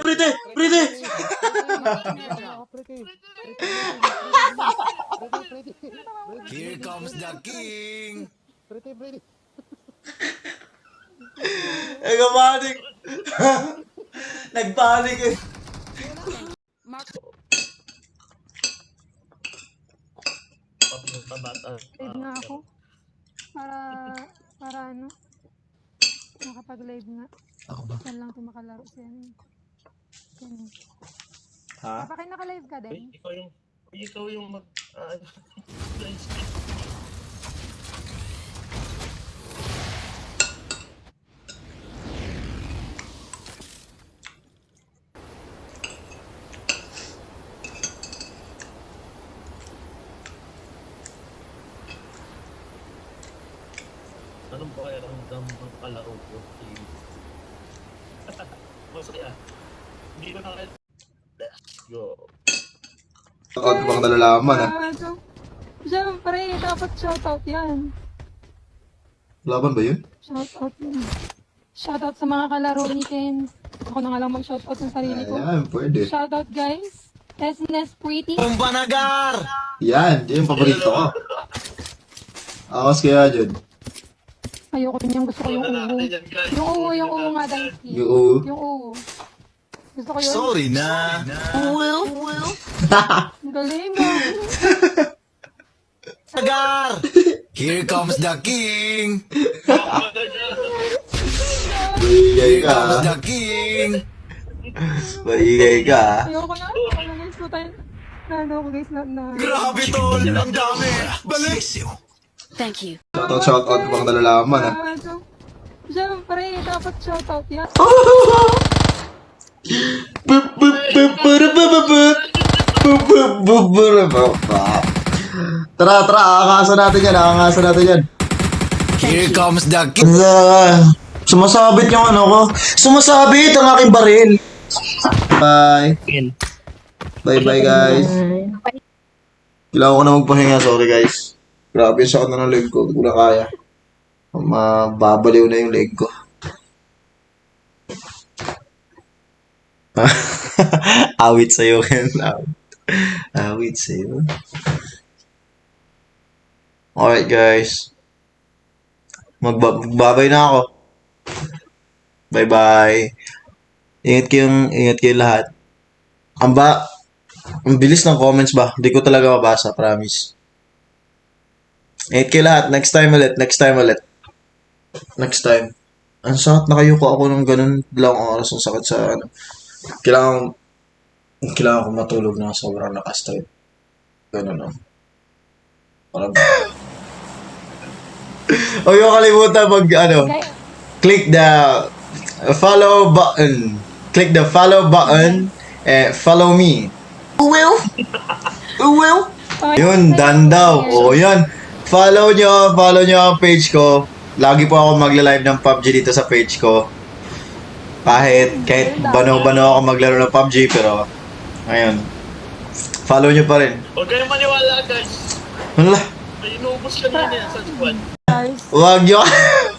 Prete! Prete! Here comes the king! Nagpanik! Nagpanik eh! Live nga ako. Para ano, makapag-live nga. Ako ba? Saan lang ito makalaro siya. Yan. Ha? Kapag naka-live ka din? Ikaw yung mag... Anong pakiramdam ng kalaro ko? Masaya. Hindi ko na kaya... Let's go. Shoutout bang nalalaman ah? Siyempre, dapat shoutout yan. Laban ba yun? Shoutout yan. Shoutout sa mga kalaro ni Ken. Ako na nga lang mag-shoutout ng sarili ko. Ayan, pwede. Shoutout guys. Tesnes Pretty. Kumbanagar! Yan, yan yung paborito ko. Akas kaya dyan. Ayoko din yung gusto ko yung uwo. Yung uwo nga dahil. Yung Yung uwo. Gusto ko yun. Sorry na! Ang galing mo. Nagar! Here comes the king! Maingay ka Comes ah. the king! Maingay ka ah. Ayoko na. Ayoko na guys. Tayo. Ano ko guys na. Grabe tol! Ang dami! Balik! Thank you. Shoutout bang nalalaman ah? Siyempre, dapat shoutout yan. Tara, aangasan natin yan, aangasan natin yan. Here comes the king! Sumasabit yung ano ko. Sumasabit ang aking baril. Bye. Bye guys. Kailangan ko na magpahinga, sorry guys. Grabe yung sakit na ng leg ko, hindi ko na kaya. Mababaliw na yung leg ko. Awit sa'yo, Ken. Awit sa'yo. Alright, guys. Magbabay na ako. Bye-bye. Ingat kayong lahat. Ang bilis ng comments ba? Hindi ko talaga mabasa, promise. Ingat kayo lahat. Next time ulit. Next time. Ang sakit na kayo ko ako ng ganun lang oras ang sakit sa ano. Kailangan ko matulog na sobrang lakas tayo. Ganun lang. Parang... Huwag yung kalimutan click the follow button. Click the follow button and follow me. Will? Yun, done daw. O, yan. Follow nyo ang page ko. Lagi po ako magla-live ng PUBG dito sa page ko. Kahit bano-bano ako maglaro ng PUBG, pero ayun. Follow nyo pa rin. Huwag kayong maniwala guys. Wala. May inubos ka na yan sa squad. Guys. Huwag nyo.